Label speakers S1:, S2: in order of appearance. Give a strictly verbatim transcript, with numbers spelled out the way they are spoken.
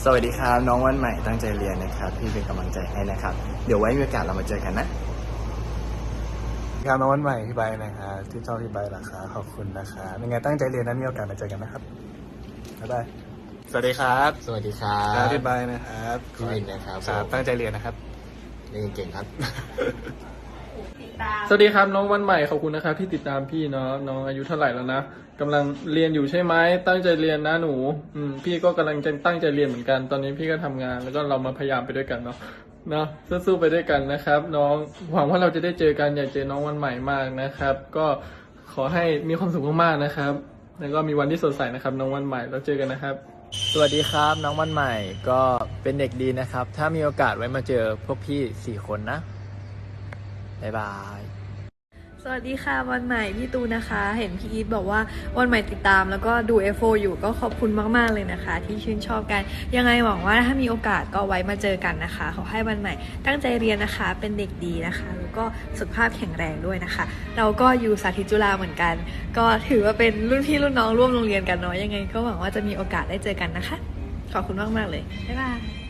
S1: สวัสดีครับน้องวันใหม่ตั้งใจเรียนนะครับพี่เป็นกำลังใจให้นะครับเดี๋ยวไว้มีโอกาสเรามาเจอกันนะครับน้องวันใหม่พี่ใบนะครับที่ชอบพี่ใบราคาขอบคุณนะครับยังไงตั้งใจเรียนนะมีโอกาสมาเจอกันนะครับบ๊ายบายสวัสดีครับ
S2: สวัสดีครับ
S1: พี่ใบนะครับ
S2: พี่วินนะครับ
S1: ครับตั้งใจเรียนนะครับ
S2: เรียนเก่งครับ
S3: สวัสดีครับน้องวันใหม่ขอบคุณนะครับที่ติดตามพี่เนาะน้องอายุเท่าไหร่แล้วนะกำลังเรียนอยู่ใช่ไหมตั้งใจเรียนนะหนูอืมพี่ก็กำลังจะตั้งใจเรียนเหมือนกันตอนนี้พี่ก็ทำงานแล้วก็เรามาพยายามไปด้วยกันเนาะเนาะสู้ๆไปด้วยกันนะครับ น้องหวังว่าเราจะได้เจอกันอยากเจอน้องวันใหม่มากนะครับ ก็ขอให้มีความสุขมากๆนะครับ แล้วก็มีวันที่สดใสนะครับ น้องวันใหม่แล้วเจอกันนะครับ
S4: สวัสดีครับน้องวันใหม่ก็เป็นเด็กดีนะครับ ถ้ามีโอกาสไว้มาเจอพวกพี่สี่คนนะบ๊ายบาย
S5: สวัสดีค่ะวันใหม่พี่ตูนนะคะ เห็นพี่อีทบอกว่าวันใหม่ติดตามแล้วก็ดู เอฟ โอ อยู่ก็ขอบคุณมากๆเลยนะคะ ที่ชื่นชอบกันยังไงหวังว่าถ้ามีโอกาสก็ไว้มาเจอกันนะคะขอให้วันใหม่ตั้งใจเรียนนะคะเป็นเด็กดีนะคะแล้วก็สุขภาพแข็งแรงด้วยนะคะ เราก็อยู่สาธิตจุฬาเหมือนกัน ก็ถือว่าเป็นรุ่นพี่รุ่นน้องร่วมโรงเรียนกันเนาะยังไงก็หวังว่าจะมีโอกาสได้เจอกันนะคะขอบคุณมากๆเลยบ๊ายบาย